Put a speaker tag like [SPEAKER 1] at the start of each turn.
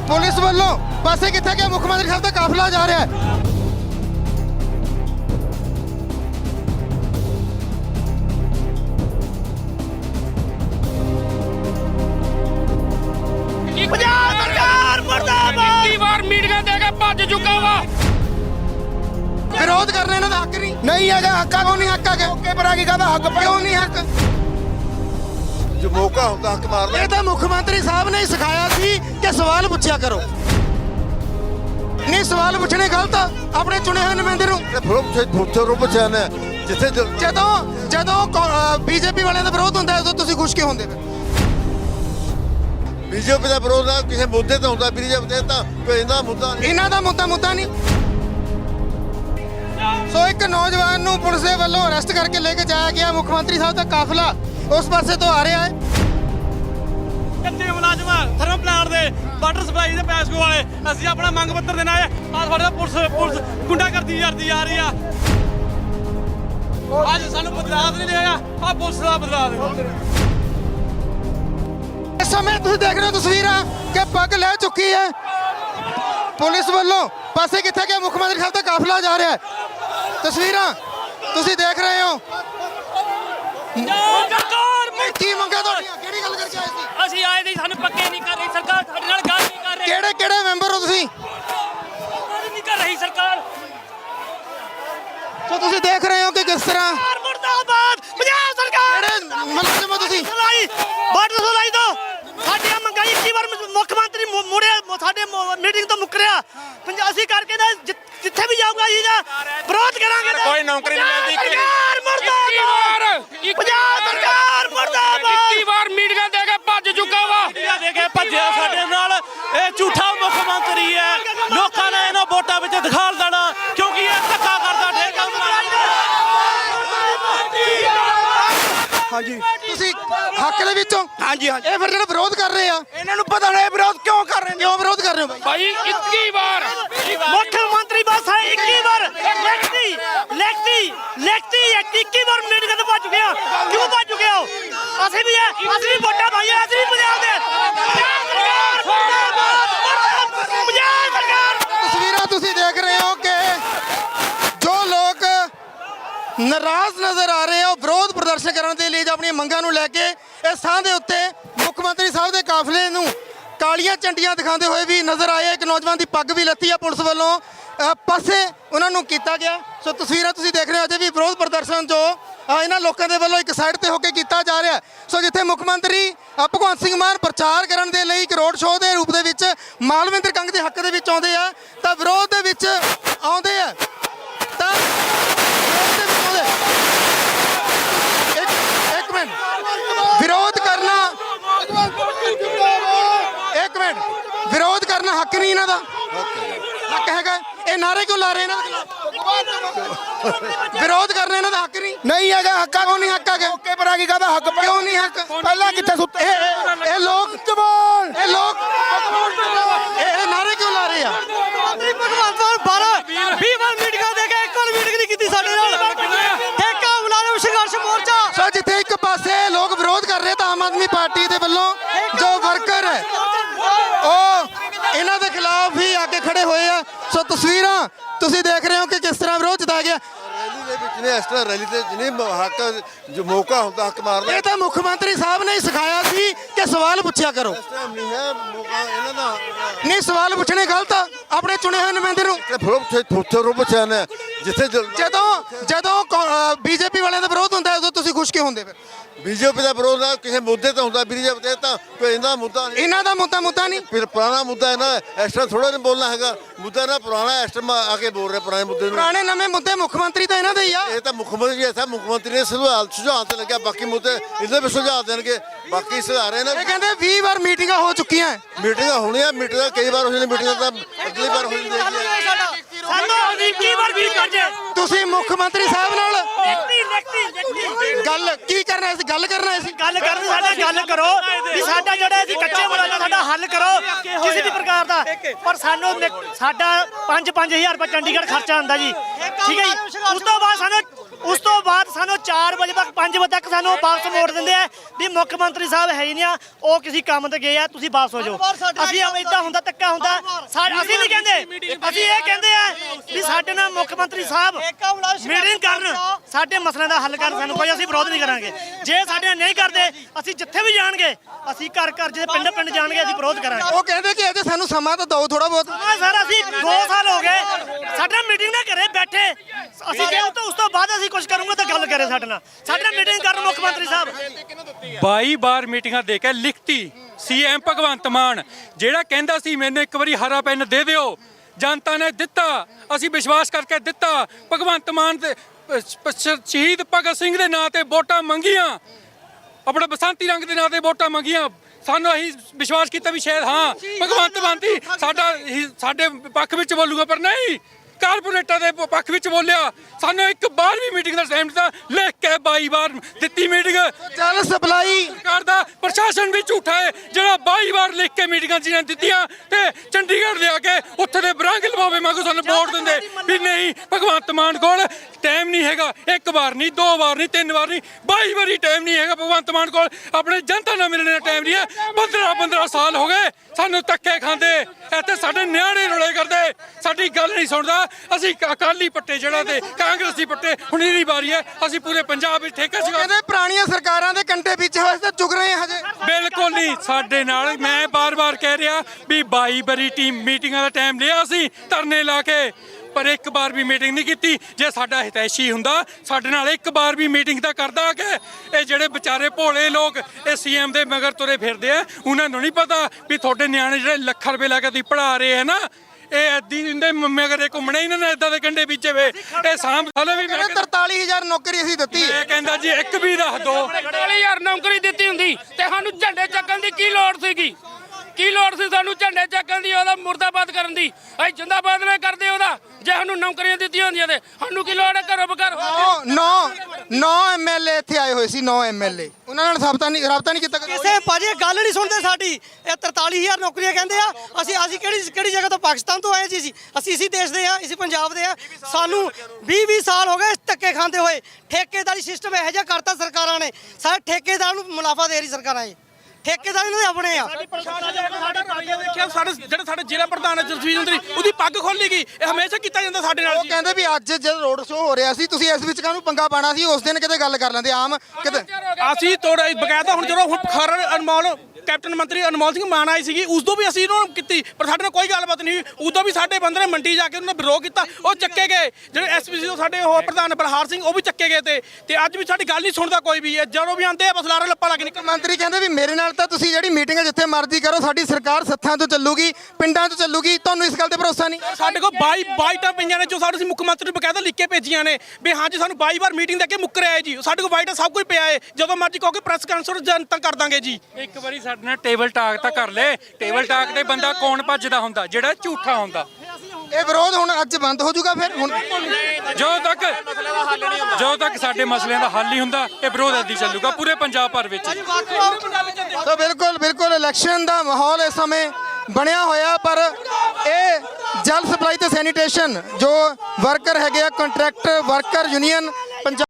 [SPEAKER 1] Police ਵੱਲੋਂ ਪਾਸੇ ਕਿੱਥੇ ਗਿਆ ਮੁੱਖ ਮੰਤਰੀ ਸਾਹਿਬ ਦਾ ਕਾਫਲਾ ਜਾ ਰਿਹਾ ਹੈ।
[SPEAKER 2] ਪੰਜਾਬ ਸਰਕਾਰ ਮੁਰਦਾਬਾਦ। ਕਿੰਨੀ ਵਾਰ ਮੀਟਿੰਗਾਂ ਦੇ ਕੇ ਭੱਜ ਚੁੱਕਾ ਵਾ।
[SPEAKER 1] ਵਿਰੋਧ ਕਰਨਾ ਇਹਨਾਂ ਦਾ ਹੱਕ ਨਹੀਂ ਹੈਗਾ। ਹੱਕਾ ਕਿਉਂ ਨਹੀਂ ਹੱਕ ਹੈਗਾ? ਓਕੇ ਪਰ ਆ ਕੀ ਕਹਦਾ ਹੱਕ ਕਿਉਂ ਨਹੀਂ ਹੱਕ?
[SPEAKER 3] ਜੋ ਮੌਕਾ ਹੁੰਦਾ ਹੱਕ ਮਾਰਦਾ।
[SPEAKER 1] ਇਹ ਤਾਂ ਮੁੱਖ ਮੰਤਰੀ ਸਾਹਿਬ ਨੇ ਹੀ ਸਿਖਾਇਆ ਸੀ ਕਿ ਸਵਾਲ ਪੁੱਛਿਆ ਕਰੋ। ਨਹੀਂ ਸਵਾਲ ਪੁੱਛਣੇ ਗਲਤ ਆ ਆਪਣੇ ਚੁਣੇ ਹੋਏ ਨੁਮਾਇੰਦੇ ਨੂੰ।
[SPEAKER 3] ਫਿਰ ਪੁੱਛਿਆ ਨੇ ਜਿੱਥੇ
[SPEAKER 1] ਜਦੋਂ ਬੀਜੇਪੀ ਵਾਲਿਆਂ ਦਾ ਵਿਰੋਧ ਹੁੰਦਾ ਉਦੋਂ ਤੁਸੀਂ ਖੁਸ਼ ਕਿਉਂ ਹੁੰਦੇ?
[SPEAKER 3] ਬੀਜੇਪੀ ਦਾ ਵਿਰੋਧ ਆ ਕਿਸੇ ਮੁੱਦੇ ਤੇ ਹੁੰਦਾ। ਬੀਜੇਪੀ ਤੇ ਤਾਂ ਕੋਈ ਇਹਦਾ ਮੁੱਦਾ ਨਹੀਂ।
[SPEAKER 1] ਇਹਨਾਂ ਦਾ ਮੁੱਦਾ ਨਹੀਂ। ਸੋ ਇੱਕ ਨੌਜਵਾਨ ਨੂੰ ਪੁਲਿਸ ਦੇ ਵੱਲੋਂ ਅਰੈਸਟ ਕਰਕੇ ਲੈ ਕੇ ਜਾਇਆ ਗਿਆ। ਮੁੱਖ ਮੰਤਰੀ ਸਾਹਿਬ ਦਾ ਕਾਫਲਾ ਉਸ ਪਾਸੇ ਤੋਂ ਆ ਰਿਹਾ ਹੈ।
[SPEAKER 2] ਕੱਚੇ ਮੁਲਾਜ਼ਮ ਥਰਮਲ ਪਲਾਂਟ ਦੇ ਵਾਟਰ ਸਪਲਾਈ ਦੇ ਪੈਸਕੋ ਵਾਲੇ ਅਸੀਂ ਆਪਣਾ ਮੰਗ ਪੱਤਰ ਦੇਣਾ ਹੈ। ਆ ਸਾਡੇ ਪੁਲਿਸ ਗੁੰਡਾਗਰਦੀ ਕਰਦੀ ਜਾ ਰਹੀ ਆ। ਅੱਜ ਸਾਨੂੰ ਬਦਲਾਅ ਨਹੀਂ ਲਿਆ ਆ ਪੁਲਿਸ ਦਾ ਬਦਲਾਅ ਦੇ।
[SPEAKER 1] ਇਸ ਸਮੇਂ ਤੁਸੀਂ ਦੇਖ ਰਹੇ ਹੋ ਤਸਵੀਰਾਂ ਕਿ ਪੱਗ ਲੈ ਚੁੱਕੀ ਹੈ ਪੁਲਿਸ ਵੱਲੋਂ। ਪਾਸੇ ਕਿੱਥੇ ਗਿਆ ਮੁੱਖ ਮੰਤਰੀ ਸਾਹਿਬ ਦਾ ਕਾਫਲਾ ਜਾ ਰਿਹਾ ਹੈ। ਤਸਵੀਰਾਂ ਤੁਸੀਂ ਦੇਖ ਰਹੇ ਹੋ।
[SPEAKER 2] ਸਰਕਾਰ
[SPEAKER 1] ਕੀ ਮੰਗਾ ਤੁਹਾਡੀਆਂ? ਕਿਹੜੀ ਗੱਲ ਕਰਕੇ ਆਏ ਸੀ?
[SPEAKER 2] ਅਸੀਂ ਆਏ ਨਹੀਂ, ਸਾਨੂੰ ਪੱਕੇ ਨਹੀਂ ਕਰ ਰਹੀ ਸਰਕਾਰ। ਸਾਡੇ ਨਾਲ ਗੱਲ ਨਹੀਂ ਕਰ ਰਹੀ।
[SPEAKER 1] ਕਿਹੜੇ ਮੈਂਬਰ ਹੋ ਤੁਸੀਂ?
[SPEAKER 2] ਗੱਲ ਨਹੀਂ ਕਰ ਰਹੀ ਸਰਕਾਰ।
[SPEAKER 1] ਸੋ ਤੁਸੀਂ ਦੇਖ ਰਹੇ ਹੋ ਕਿ ਕਿਸ ਤਰ੍ਹਾਂ
[SPEAKER 2] ਮੁਰਦਾਬਾਦ। ਪੰਜਾਬ ਸਰਕਾਰ
[SPEAKER 1] ਕਿਹੜੇ ਮੁਲਾਜ਼ਮ ਹੋ ਤੁਸੀਂ?
[SPEAKER 2] ਵਾਟਰ ਸਪਲਾਈ ਤੋਂ ਸਾਡੀਆਂ ਮੰਗਾਂ 21 ਵਾਰ ਮੁੱਖ ਮੰਤਰੀ ਮੁੜਿਆ ਸਾਡੇ ਮੀਟਿੰਗ ਤੋਂ ਮੁੱਕਰਿਆ। ਅਸੀਂ ਕਰਕੇ ਨਾ ਜਿੱਥੇ ਵੀ ਜਾਊਗਾ ਜੀ ਦਾ ਵਿਰੋਧ ਕਰਾਂਗੇ।
[SPEAKER 4] ਕੋਈ ਨੌਕਰੀ ਨਹੀਂ ਮਿਲਦੀ।
[SPEAKER 2] ਸਰਕਾਰ ਮੁਰਦਾਬਾਦ। ਪੰਜਾਬ ਸਰਕਾਰ ਮੁਰਦਾਬਾਦ। 21 ਵਾਰ ਮੀਟਿੰਗਾਂ ਦੇ ਕੇ ਭੱਜ ਚੁੱਕਾ ਵਾ। ਦੇ ਕੇ ਭੱਜਿਆ ਸਾਡੇ ਨਾਲ। ਇਹ ਝੂਠਾ ਮੁੱਖ ਮੰਤਰੀ ਹੈ। ਲੋਕਾਂ ਨੇ ਇਹਨਾਂ ਵੋਟਾਂ ਵਿੱਚ ਦਿਖਾਲ ਦੇਣਾ ਕਿਉਂਕਿ ਇਹ ਧੱਕਾ ਕਰਦਾ ਠੇਕਾ।
[SPEAKER 1] ਹਾਂਜੀ ਤੁਸੀਂ ਹੱਕ ਦੇ ਵਿੱਚੋਂ?
[SPEAKER 4] ਹਾਂਜੀ ਹਾਂਜੀ
[SPEAKER 1] ਇਹ ਫਿਰ ਜਿਹੜਾ ਵਿਰੋਧ ਕਰ ਰਹੇ ਆ
[SPEAKER 4] ਇਹਨਾਂ ਨੂੰ ਪਤਾ ਨਹੀਂ ਵਿਰੋਧ ਕਿਉਂ ਕਰ ਰਹੇ ਨੇ।
[SPEAKER 1] ਕਿਉਂ ਵਿਰੋਧ ਕਰ ਰਹੇ ਹੋ ਬਾਈ?
[SPEAKER 2] ਭਾਈ 21 ਵਾਰ ਮੁੱਖ ਮੰਤਰੀ ਬਸ ਹੈ 21 ਵਾਰ ਲੈਕਤੀ 21 ਵਾਰ ਮੀਟਿੰਗ ਤੋਂ ਭੱਜ ਚੁੱਕਿਆ। ਕਿਉਂ ਭੱਜ ਚੁੱਕੇ ਹੋ? ਅਸੀਂ ਵੀ ਹੈ, ਅਸੀਂ ਵੀ ਵੋਟਾਂ ਪਾਈਆਂ। ਅਸੀਂ ਵੀ ਪੰਜਾਬ ਦੇ ਪੰਜਾਬ ਸਰਕਾਰ।
[SPEAKER 1] ਤਸਵੀਰਾਂ ਤੁਸੀਂ ਦੇਖ ਰਹੇ ਹੋ ਕਿ ਜੋ ਲੋਕ ਨਾਰਾਜ਼ ਨਜ਼ਰ ਆ ਰਹੇ ਆ ਉਹ ਵਿਰੋਧ ਪ੍ਰਦਰਸ਼ਨ ਕਰਨ ਦੇ ਲਈ ਜਾਂ ਆਪਣੀਆਂ ਮੰਗਾਂ ਨੂੰ ਲੈ ਕੇ ਇਸ ਥਾਂ ਦੇ ਉੱਤੇ ਮੁੱਖ ਮੰਤਰੀ ਸਾਹਿਬ ਦੇ ਕਾਫਲੇ ਨੂੰ ਕਾਲੀਆਂ ਝੰਡੀਆਂ ਦਿਖਾਉਂਦੇ ਹੋਏ ਵੀ ਨਜ਼ਰ ਆਏ। ਇੱਕ ਨੌਜਵਾਨ ਦੀ ਪੱਗ ਵੀ ਲੱਥੀ ਆ ਪੁਲਿਸ ਵੱਲੋਂ, ਪਾਸੇ ਉਹਨਾਂ ਨੂੰ ਕੀਤਾ ਗਿਆ। ਸੋ ਤਸਵੀਰਾਂ ਤੁਸੀਂ ਦੇਖ ਰਹੇ ਹੋ ਅਜੇ ਵੀ ਵਿਰੋਧ ਪ੍ਰਦਰਸ਼ਨ ਜੋ ਇਹਨਾਂ ਲੋਕਾਂ ਦੇ ਵੱਲੋਂ ਇੱਕ ਸਾਈਡ ਤੇ ਹੋ ਕੇ ਕੀਤਾ ਜਾ ਰਿਹਾ। ਸੋ ਜਿੱਥੇ ਮੁੱਖ ਮੰਤਰੀ ਭਗਵੰਤ ਸਿੰਘ ਮਾਨ ਪ੍ਰਚਾਰ ਕਰਨ ਦੇ ਲਈ ਇੱਕ ਰੋਡ ਸ਼ੋਅ ਦੇ ਰੂਪ ਦੇ ਵਿੱਚ ਮਾਲਵਿੰਦਰ ਕੰਗ ਦੇ ਹੱਕ ਦੇ ਵਿੱਚ ਆਉਂਦੇ ਆ ਤਾਂ ਵਿਰੋਧ ਦੇ ਵਿੱਚ ਆਉਂਦੇ ਆ ਤਾਂ ਇੱਕ ਮਿੰਟ ਵਿਰੋਧ ਕਰਨਾ ਹੱਕ ਨਹੀਂ ਇਹਨਾਂ ਦਾ? ਹੱਕ ਹੈਗਾ। ਇਹ ਨਾਰੇ ਕਿਉਂ ਲਾ ਰਹੇ ਇਹਨਾਂ ਦੇ ਖਿਲਾਫ? ਵਿਰੋਧ ਕਰਨਾ ਇਹਨਾਂ ਦਾ ਹੱਕ ਨਹੀਂ ਹੈਗਾ। ਹੱਕਾ ਕਿਉਂ ਨਹੀਂ ਹੱਕ ਹੈਗਾ? ਓਕੇ ਪਰ ਆ ਕੀ ਕਹਦਾ ਹੱਕ ਕਿਉਂ ਨਹੀਂ ਹੱਕ? ਪਹਿਲਾਂ ਕਿੱਥੇ ਸੁੱਤੇ ਇਹ ਲੋਕ ਇਹ ਨਾਰੇ ਕਿਉਂ ਲਾ ਰਹੇ ਆ?
[SPEAKER 2] ਭਗਵੰਤ ਮਾਨ 20 ਵਾਰ ਮੀਟਿੰਗਾਂ ਦੇ ਕੇ ਇੱਕ ਵਾਰ ਮੀਟਿੰਗ ਨਹੀਂ ਕੀਤੀ ਸਾਡੇ ਨਾਲ। ਠੇਕਾ ਮੁਲਾਜ਼ਮ ਸੰਘਰਸ਼ ਮੋਰਚਾ।
[SPEAKER 1] ਸੋ ਜਿੱਥੇ ਇੱਕ ਪਾਸੇ ਲੋਕ ਵਿਰੋਧ ਕਰ ਰਹੇ ਤਾਂ ਆਮ ਆਦਮੀ ਪਾਰਟੀ ਦੇ ਵੱਲੋਂ ਜੋ ਵਰਕਰ ਹੈ ਉਹ ਇਹਨਾਂ ਦੇ ਖਿਲਾਫ ਹੀ ਆ ਕੇ ਖੜੇ ਹੋਏ ਆ। ਸੋ ਤਸਵੀਰਾਂ ਤੁਸੀਂ ਦੇਖ ਰਹੇ ਹੋ ਕਿ ਕਿਸ ਤਰ੍ਹਾਂ ਵਿਰੋਧ ਜਤਾਇਆ ਗਿਆ।
[SPEAKER 3] ਰੈਲੀ ਦੇ ਵਿੱਚ ਨੇ ਇਸ ਤਰ੍ਹਾਂ ਰੈਲੀ ਤੇ ਜਿਹਨੇ ਹੱਕ ਜੋ ਮੌਕਾ ਹੁੰਦਾ ਹੱਕ ਮਾਰਦਾ।
[SPEAKER 1] ਇਹ ਤਾਂ ਮੁੱਖ ਮੰਤਰੀ ਸਾਹਿਬ ਨੇ ਹੀ ਸਿਖਾਇਆ ਸੀ ਕਿ ਸਵਾਲ ਪੁੱਛਿਆ ਕਰੋ।
[SPEAKER 3] ਇਸ ਟਾਈਮ ਨਹੀਂ ਹੈ ਮੌਕਾ ਇਹਨਾਂ ਦਾ।
[SPEAKER 1] ਨਹੀਂ ਸਵਾਲ ਪੁੱਛਣੇ ਗਲਤ ਆ ਆਪਣੇ ਚੁਣੇ ਹੋਏ ਨੁਮਾਇੰਦੇ ਨੂੰ।
[SPEAKER 3] ਫਿਰ ਪੁੱਛਿਆ ਨੇ ਜਿੱਥੇ
[SPEAKER 1] ਜਦੋਂ ਬੀਜੇਪੀ ਵਾਲਿਆਂ ਦਾ ਵਿਰੋਧ ਹੁੰਦਾ ਉਦੋਂ ਤੁਸੀਂ ਖੁਸ਼ ਕਿਉਂ ਹੁੰਦੇ? ਫਿਰ
[SPEAKER 3] ਬੀਜੇਪੀ ਦਾ ਵਿਰੋਧ ਆ ਕਿਸੇ ਮੁੱਦੇ ਤੇ ਹੁੰਦਾ। ਬੀਜੇਪੀ ਤੇ ਤਾਂ ਕੋਈ ਇਹਦਾ ਮੁੱਦਾ ਨਹੀਂ।
[SPEAKER 1] ਇਹਨਾਂ ਦਾ ਮੁੱਦਾ ਨਹੀਂ।
[SPEAKER 3] ਫਿਰ ਪੁਰਾਣਾ ਮੁੱਦਾ ਹੈ ਨਾ, ਇਸ ਤਰ੍ਹਾਂ ਥੋੜਾ ਨਹੀਂ ਬੋਲਣਾ ਹੈਗਾ। ਮੁੱਦਾ ਨਾ ਪੁਰਾਣਾ, ਇਸ ਟਾਈਮ ਆ ਕੇ ਬੋਲ ਰਹੇ ਪੁਰਾਣੇ ਮੁੱਦੇ ਨੂੰ।
[SPEAKER 1] ਪੁਰਾਣੇ ਨਵੇਂ ਮੁੱਦੇ ਮੁੱਖ ਮੰਤਰੀ ਤਾਂ ਇਹਨਾਂ ਦੇ ਹੀ ਆ।
[SPEAKER 3] ਇਹ ਤਾਂ ਮੁੱਖ ਮੰਤਰੀ ਐਸਾ ਮੁੱਖ ਮੰਤਰੀ ਨੇ ਸੁਝਾਅ ਤੇ ਲੱਗਿਆ। ਬਾਕੀ ਮੁੱਦੇ ਇਹਦੇ ਵੀ ਸੁਝਾਅ ਦੇਣਗੇ। ਬਾਕੀ ਸੁਧਾਰ ਰਹੇ ਨੇ।
[SPEAKER 1] ਇਹ ਕਹਿੰਦੇ 20 ਵਾਰ ਮੀਟਿੰਗਾਂ ਹੋ ਚੁੱਕੀਆਂ।
[SPEAKER 3] ਮੀਟਿੰਗਾਂ ਹੋਣੀਆਂ। ਮੀਟਿੰਗਾਂ ਕਈ ਵਾਰ ਹੋ ਜਾਂਦੀਆਂ। ਮੀਟਿੰਗਾਂ ਤਾਂ ਅਗਲੀ ਵਾਰ ਹੋ ਜਾਂਦੀਆਂ।
[SPEAKER 2] ਸਾਨੂੰ 21 ਵਾਰ ਵੀ ਕੱਢੇ।
[SPEAKER 1] ਤੁਸੀਂ ਮੁੱਖ ਮੰਤਰੀ ਸਾਹਿਬ ਨਾਲ
[SPEAKER 2] ਲੈਕਤੀ
[SPEAKER 1] ਗੱਲ ਕੀ ਕਰਨਾ ਸੀ? ਗੱਲ ਕਰਨਾ ਸੀ।
[SPEAKER 2] ਗੱਲ ਕਰਨ ਸਾਡਾ ਗੱਲ ਕਰੋ ਵੀ ਸਾਡਾ ਜਿਹੜਾ ਅਸੀਂ ਕੱਚੇ ਮੁਲਾਜ਼ਮ ਸਾਡਾ ਹੱਲ ਕਰੋ ਕਿਸੇ ਵੀ ਪ੍ਰਕਾਰ ਦਾ। ਪਰ ਸਾਨੂੰ ਸਾਡਾ 5-5000 ਰੁਪਏ ਚੰਡੀਗੜ੍ਹ ਖਰਚਾ ਹੁੰਦਾ ਜੀ। ਠੀਕ ਹੈ ਜੀ। ਉਸ ਤੋਂ ਬਾਅਦ ਸਾਨੂੰ
[SPEAKER 5] ਉਸ ਤੋਂ ਬਾਅਦ ਸਾਨੂੰ 4 ਵਜੇ ਤੱਕ 5 ਵਜੇ ਤੱਕ ਸਾਨੂੰ ਵਾਪਸ ਮੋੜ ਦਿੰਦੇ ਆ ਵੀ ਮੁੱਖ ਮੰਤਰੀ ਸਾਹਿਬ ਹੈ ਹੀ ਨਹੀਂ ਆ, ਉਹ ਕਿਸੇ ਕੰਮ ਤੇ ਗਏ ਆ, ਤੁਸੀਂ ਵਾਪਸ ਹੋ ਜਾਓ। ਅਸੀਂ ਇਦਾਂ ਹੁੰਦਾ ਧੱਕਾ ਹੁੰਦਾ ਅਸੀਂ ਨਹੀਂ ਕਹਿੰਦੇ, ਅਸੀਂ ਇਹ ਕਹਿੰਦੇ ਆ ਵੀ ਸਾਡੇ ਨਾਲ ਮੁੱਖ ਮੰਤਰੀ ਸਾਹਿਬ ਮੀਟਿੰਗ ਕਰਨ, ਸਾਡੇ ਮਸਲਿਆਂ ਦਾ ਹੱਲ ਕਰਨ, ਸਾਨੂੰ ਕੋਈ ਅਸੀਂ ਵਿਰੋਧ ਨਹੀਂ ਕਰਾਂਗੇ। ਜੇ ਸਾਡੇ ਨਾਲ ਨਹੀਂ ਕਰਦੇ ਅਸੀਂ ਜਿੱਥੇ ਵੀ ਜਾਣਗੇ, ਅਸੀਂ ਘਰ ਘਰ ਜੇ ਪਿੰਡ ਪਿੰਡ ਜਾਣਗੇ, ਅਸੀਂ ਵਿਰੋਧ ਕਰਾਂਗੇ।
[SPEAKER 1] ਉਹ ਕਹਿੰਦੇ ਕਿ ਅਜੇ ਸਾਨੂੰ ਸਮਾਂ ਤਾਂ ਦਿਓ ਥੋੜਾ ਬਹੁਤ।
[SPEAKER 5] ਹਾਂ ਸਰ, ਅਸੀਂ 2 ਸਾਲ ਹੋ ਗਏ ਸਾਡਾ ਮੀਟਿੰਗ ਨਾ ਕਰੇ ਬੈਠੇ, ਅਸੀਂ ਜੇ ਉਸ ਤੋਂ ਬਾਅਦ ਅਸੀਂ ਕੁਝ ਕਰੂੰਗੇ ਤਾਂ ਗੱਲ ਕਰੇ ਸਾਡੇ ਨਾਲ ਮੀਟਿੰਗ ਕਰਨ ਮੁੱਖ ਮੰਤਰੀ ਸਾਹਿਬ।
[SPEAKER 6] 22 ਵਾਰ ਮੀਟਿੰਗਾਂ ਦੇ ਕੇ ਲਿਖਤੀ ਸੀਐਮ ਭਗਵੰਤ ਮਾਨ ਜਿਹੜਾ ਕਹਿੰਦਾ ਸੀ ਮੈਨੂੰ ਇੱਕ ਵਾਰੀ ਹਰਾ ਪੈਨ ਦੇ ਦਿਓ, ਜਨਤਾ ਨੇ ਦਿੱਤਾ, ਅਸੀਂ ਵਿਸ਼ਵਾਸ ਕਰਕੇ ਦਿੱਤਾ। ਭਗਵੰਤ ਮਾਨ ਤੇ ਸ਼ਹੀਦ ਭਗਤ ਸਿੰਘ ਦੇ ਨਾਂ ਤੇ ਵੋਟਾਂ ਮੰਗੀਆਂ, ਆਪਣੇ ਬਸੰਤੀ ਰੰਗ ਦੇ ਨਾਂ ਤੇ ਵੋਟਾਂ ਮੰਗੀਆਂ। ਸਾਨੂੰ ਅਸੀਂ ਵਿਸ਼ਵਾਸ ਕੀਤਾ ਵੀ ਸ਼ਾਇਦ ਹਾਂ ਭਗਵੰਤ ਮਾਨ ਦੀ ਸਾਡੇ ਪੱਖ ਵਿੱਚ ਬੋਲੂਗਾ, ਪਰ ਨਹੀਂ, ਕਾਰਪੋਰੇਟਾਂ ਦੇ ਪੱਖ ਵਿੱਚ ਬੋਲਿਆ। ਸਾਨੂੰ ਇੱਕ ਵਾਰ ਵੀ ਮੀਟਿੰਗ ਦਾ ਟਾਈਮ ਦਿੱਤਾ, ਲਿਖ ਕੇ 22 ਵਾਰ ਦਿੱਤੀ ਮੀਟਿੰਗ।
[SPEAKER 1] ਜਲ ਸਪਲਾਈ
[SPEAKER 6] ਸਰਕਾਰ ਦਾ ਪ੍ਰਸ਼ਾਸਨ ਵੀ ਝੂਠਾ ਹੈ ਜਿਹੜਾ 22 ਵਾਰ ਲਿਖ ਕੇ ਮੀਟਿੰਗਾਂ ਜਿਹਨਾਂ ਦਿੱਤੀਆਂ ਤੇ ਚੰਡੀਗੜ੍ਹ ਦੇ ਆ ਕੇ ਉੱਥੇ ਦੇ ਬਰਾਂਗ ਲਵਾਵੇ ਮੰਗੋ ਸਾਨੂੰ ਵੋਟ ਦਿੰਦੇ ਵੀ ਨਹੀਂ। ਭਗਵੰਤ ਮਾਨ ਕੋਲ ਟਾਈਮ ਨਹੀਂ ਹੈਗਾ, ਇੱਕ ਵਾਰ ਨਹੀਂ, 2 ਵਾਰ ਨਹੀਂ, 3 ਵਾਰ ਨਹੀਂ, 22 ਵਾਰੀ ਟਾਈਮ ਨਹੀਂ ਹੈਗਾ ਭਗਵੰਤ ਮਾਨ ਕੋਲ। ਆਪਣੇ ਜਨਤਾ ਨਾਲ ਮਿਲਣ ਦਾ ਟਾਈਮ ਨਹੀਂ ਹੈ। 15 ਸਾਲ ਹੋ ਗਏ ਸਾਨੂੰ ਧੱਕੇ ਖਾਂਦੇ, ਇੱਥੇ ਸਾਡੇ ਨਿਆਣੇ ਰੋਲੇ ਕਰਦੇ, ਸਾਡੀ ਗੱਲ ਨਹੀਂ ਸੁਣਦਾ। ਅਸੀਂ ਅਕਾਲੀ ਪੱਟੇ ਜਿਹੜਾ ਤੇ ਕਾਂਗਰਸੀ ਪੱਟੇ, ਹੁਣ ਇਹਦੀ ਵਾਰੀ ਹੈ। ਅਸੀਂ ਪੂਰੇ ਪੰਜਾਬ ਵਿੱਚ ਠੇਕਾ ਸੀ।
[SPEAKER 1] ਕਹਿੰਦੇ ਪੁਰਾਣੀਆਂ ਸਰਕਾਰਾਂ ਦੇ ਕੰਟੇ ਵਿੱਚ ਹੋਏ ਤਾਂ ਚੁਗ ਰਹੇ ਹਜੇ।
[SPEAKER 6] ਬਿਲਕੁਲ ਨਹੀਂ, ਸਾਡੇ ਨਾਲ ਮੈਂ ਬਾਰ-ਬਾਰ ਕਹਿ ਰਿਹਾ ਵੀ 22 ਵਾਰੀ ਟੀਮ ਮੀਟਿੰਗਾਂ ਦਾ ਟਾਈਮ ਲਿਆ ਸੀ ਧਰਨੇ ਲਾ ਕੇ, ਪਰ ਇੱਕ ਵਾਰ ਵੀ ਮੀਟਿੰਗ ਨਹੀਂ ਕੀਤੀ। ਜੇ ਸਾਡਾ ਹਿਤੈਸ਼ੀ ਹੁੰਦਾ ਸਾਡੇ ਨਾਲ ਇੱਕ ਵਾਰ ਵੀ ਮੀਟਿੰਗ ਤਾਂ ਕਰਦਾ ਕਿ ਇਹ ਜਿਹੜੇ ਵਿਚਾਰੇ ਭੋਲੇ ਲੋਕ ਇਹ ਸੀਐਮ ਦੇ ਮਗਰ ਤੁਰੇ ਫਿਰਦੇ ਆ, ਉਹਨਾਂ ਨੂੰ ਨਹੀਂ ਪਤਾ ਵੀ ਤੁਹਾਡੇ ਨਿਆਣੇ ਜਿਹੜੇ ਲੱਖਾਂ ਰੁਪਏ ਲਾ ਕੇ ਤੁਸੀਂ ਪੜ੍ਹਾ ਰਹੇ ਹੈ ਨਾ, ਇਹ ਐਦੀ ਦਿੰਦੇ ਮਗਰ ਘੁੰਮਣਾ ਹੀ ਨਾ ਇਦਾਂ ਦੇ ਕੰਡੇ ਵਿੱਚ ਵੇ ਇਹ ਸਾਂਭ ਹਲੇ ਵੀ।
[SPEAKER 1] 43,000 ਨੌਕਰੀ ਅਸੀਂ ਦਿੱਤੀ।
[SPEAKER 6] ਮੈਂ ਕਹਿੰਦਾ ਜੀ ਇੱਕ ਵੀ ਦੱਸ ਦੋ।
[SPEAKER 2] 43,000 ਨੌਕਰੀ ਦਿੱਤੀ ਹੁੰਦੀ ਤੇ ਸਾਨੂੰ ਝੰਡੇ ਚੱਕਣ ਦੀ ਕੀ ਲੋੜ ਸੀਗੀ? ਕੀ ਲੋੜ ਸੀ ਸਾਨੂੰ ਝੰਡੇ ਚੱਕਣ ਦੀ, ਉਹਦਾ ਮੁਰਦਾਬਾਦ ਕਰਨ ਦੀ? ਅਸੀਂ ਜਿੰਦਾਬਾਦ ਨਾ ਕਰਦੇ ਉਹਦਾ। ਜੇ ਸਾਨੂੰ ਨੌਕਰੀਆਂ ਦਿੱਤੀਆਂ ਹੁੰਦੀਆਂ ਤੇ ਸਾਨੂੰ ਕੀ ਲੋੜ ਹੈ ਘਰੋਂ ਬਘਰ?
[SPEAKER 1] 9 ਐਮਐਲਏ ਇੱਥੇ ਆਏ ਹੋਏ ਸੀ, 9 ਐਮਐਲਏ, ਉਹਨਾਂ ਨਾਲ ਰਾਬਤਾ ਨਹੀਂ ਕੀਤਾ।
[SPEAKER 5] ਕਿਸੇ ਭਾਜੀ ਗੱਲ ਨਹੀਂ ਸੁਣਦੇ ਸਾਡੀ। ਇਹ 43,000 ਨੌਕਰੀਆਂ ਕਹਿੰਦੇ ਆ। ਅਸੀਂ ਕਿਹੜੀ ਜਗ੍ਹਾ ਤੋਂ, ਪਾਕਿਸਤਾਨ ਤੋਂ ਆਏ ਜੀ? ਅਸੀਂ ਇਸੇ ਦੇਸ਼ ਦੇ ਆ, ਇਸੇ ਪੰਜਾਬ ਦੇ ਆ। ਸਾਨੂੰ 20 ਸਾਲ ਹੋ ਗਏ ਧੱਕੇ ਖਾਂਦੇ ਹੋਏ। ਠੇਕੇਦਾਰੀ ਸਿਸਟਮ ਇਹੋ ਜਿਹਾ ਕਰਤਾ ਸਰਕਾਰਾਂ ਨੇ, ਸਾਰੇ ਠੇਕੇਦਾਰ ਨੂੰ ਮੁਨਾਫਾ ਦੇ ਰਹੀ ਸਰਕਾਰਾਂ। ਇਹ ਠੇਕੇਦਾਰ ਇਹਨਾਂ ਦੇ ਆਪਣੇ ਆ।
[SPEAKER 2] ਦੇਖਿਆ ਸਾਡੇ ਜ਼ਿਲ੍ਹਾ ਪ੍ਰਧਾਨ ਜਸਵੀਰ ਮੰਤਰੀ, ਉਹਦੀ ਪੱਗ ਖੋਲੀ ਗਈ। ਇਹ ਹਮੇਸ਼ਾ ਕੀਤਾ ਜਾਂਦਾ ਸਾਡੇ ਨਾਲ।
[SPEAKER 1] ਉਹ ਕਹਿੰਦੇ ਵੀ ਅੱਜ ਜਦ ਰੋਡ ਸ਼ੋਅ ਹੋ ਰਿਹਾ ਸੀ ਤੁਸੀਂ ਇਸ ਵਿੱਚ ਕਾਹਨੂੰ ਪੰਗਾ ਪਾਣਾ ਸੀ? ਉਸ ਦਿਨ ਕਿਤੇ ਗੱਲ ਕਰ ਲੈਂਦੇ ਆਮ ਕਿਤੇ।
[SPEAKER 2] ਅਸੀਂ ਤੋੜਾ ਬਕਾਇਦਾ ਹੁਣ ਜਦੋਂ ਖਰੜ ਅਨਮੋਲ ਕੈਪਟਨ ਮੰਤਰੀ ਅਨਮੋਲ ਸਿੰਘ ਮਾਨ ਆਈ ਸੀਗੀ, ਉਦੋਂ ਵੀ ਅਸੀਂ ਇਹਨਾਂ ਨੂੰ ਕੀਤੀ, ਪਰ ਸਾਡੇ ਨਾਲ ਕੋਈ ਗੱਲਬਾਤ ਨਹੀਂ ਹੋਈ। ਉਦੋਂ ਵੀ ਸਾਡੇ ਬੰਦੇ ਨੇ ਮੰਡੀ ਜਾ ਕੇ ਉਹਨਾਂ ਨੇ ਵਿਰੋਧ ਕੀਤਾ, ਉਹ ਚੱਕੇ ਗਏ। ਜਿਹੜੇ ਐਸਪੀਸੀ ਤੋਂ ਸਾਡੇ ਹੋਰ ਪ੍ਰਧਾਨ ਬਲਹਾਰ ਸਿੰਘ, ਉਹ ਵੀ ਚੱਕੇ ਗਏ ਤੇ ਅੱਜ ਵੀ ਸਾਡੀ ਗੱਲ ਨਹੀਂ ਸੁਣਦਾ ਕੋਈ ਵੀ। ਜਦੋਂ ਵੀ ਆਉਂਦੇ ਆ ਬਸ ਲਾਰੇ ਲੱਪਾ ਲੱਗ ਨਿਕਲ।
[SPEAKER 1] ਮੰਤਰੀ ਕਹਿੰਦੇ ਵੀ ਮੇਰੇ ਨਾਲ ਤਾਂ ਤੁਸੀਂ ਜਿਹੜੀ ਮੀਟਿੰਗ ਜਿੱਥੇ ਮਰਜ਼ੀ ਕਰੋ, ਸਾਡੀ ਸਰਕਾਰ ਸੱਥਾਂ ਤੋਂ ਚੱਲੂਗੀ, ਪਿੰਡਾਂ ਤੋਂ ਚੱਲੂਗੀ। ਤੁਹਾਨੂੰ ਇਸ ਗੱਲ ਤੇ ਭਰੋਸਾ ਨਹੀਂ?
[SPEAKER 2] ਸਾਡੇ ਕੋਲ 22 ਟਾਂ ਪਈਆਂ ਨੇ ਜੋ ਸਾਡੇ ਅਸੀਂ ਮੁੱਖ ਮੰਤਰੀ ਨੂੰ ਬਕਾਇਦਾ ਲਿਖ ਕੇ ਭੇਜੀਆਂ ਨੇ ਵੀ ਹਾਂਜੀ ਸਾਨੂੰ 22 ਵਾਰ ਮੀਟਿੰਗ ਦੇ ਕੇ ਮੁੱਕਰ ਆਏ ਜੀ। ਸਾਡੇ ਕੋਲ 22 ਸਭ ਕੁਝ ਪਿਆ ਹੈ, ਜਦੋਂ ਮਰਜ਼ੀ ਕਹੋਗੇ ਪ੍ਰੈਸ ਕਾਨਫਰੰਸ ਜਨਤਾ ਕਰ ਦਾਂਗੇ ਜੀ।
[SPEAKER 6] ਇੱਕ ਵਾਰੀ ਸਾਡੇ ਨਾਲ ਟੇਬਲ ਟਾਕ ਤਾਂ ਕਰ ਲੈ। ਟੇਬਲ ਟਾਕ ਤੇ ਬੰਦਾ ਕੌਣ ਭੱਜਦਾ ਹੁੰਦਾ? ਜਿਹੜਾ ਝੂਠਾ ਹੁੰਦਾ।
[SPEAKER 1] ਇਹ ਵਿਰੋਧ ਹੁਣ ਅੱਜ ਬੰਦ ਹੋ ਜਾਊਗਾ ਫਿਰ? ਹੁਣ
[SPEAKER 6] ਜਦੋਂ ਤੱਕ ਸਾਡੇ ਮਸਲਿਆਂ ਦਾ ਹੱਲ ਨਹੀਂ ਹੁੰਦਾ ਇਹ ਵਿਰੋਧ ਏਦਾਂ ਹੀ ਚੱਲੂਗਾ ਪੂਰੇ ਪੰਜਾਬ ਭਰ ਵਿੱਚ।
[SPEAKER 1] ਤਾਂ ਬਿਲਕੁਲ ਇਲੈਕਸ਼ਨ ਦਾ ਮਾਹੌਲ ਇਸ ਸਮੇਂ ਬਣਿਆ ਹੋਇਆ, ਪਰ ਇਹ ਜਲ ਸਪਲਾਈ ਤੇ ਸੈਨੀਟੇਸ਼ਨ ਜੋ ਵਰਕਰ ਹੈਗੇ ਆ, ਕੰਟਰੈਕਟ ਵਰਕਰ ਯੂਨੀਅਨ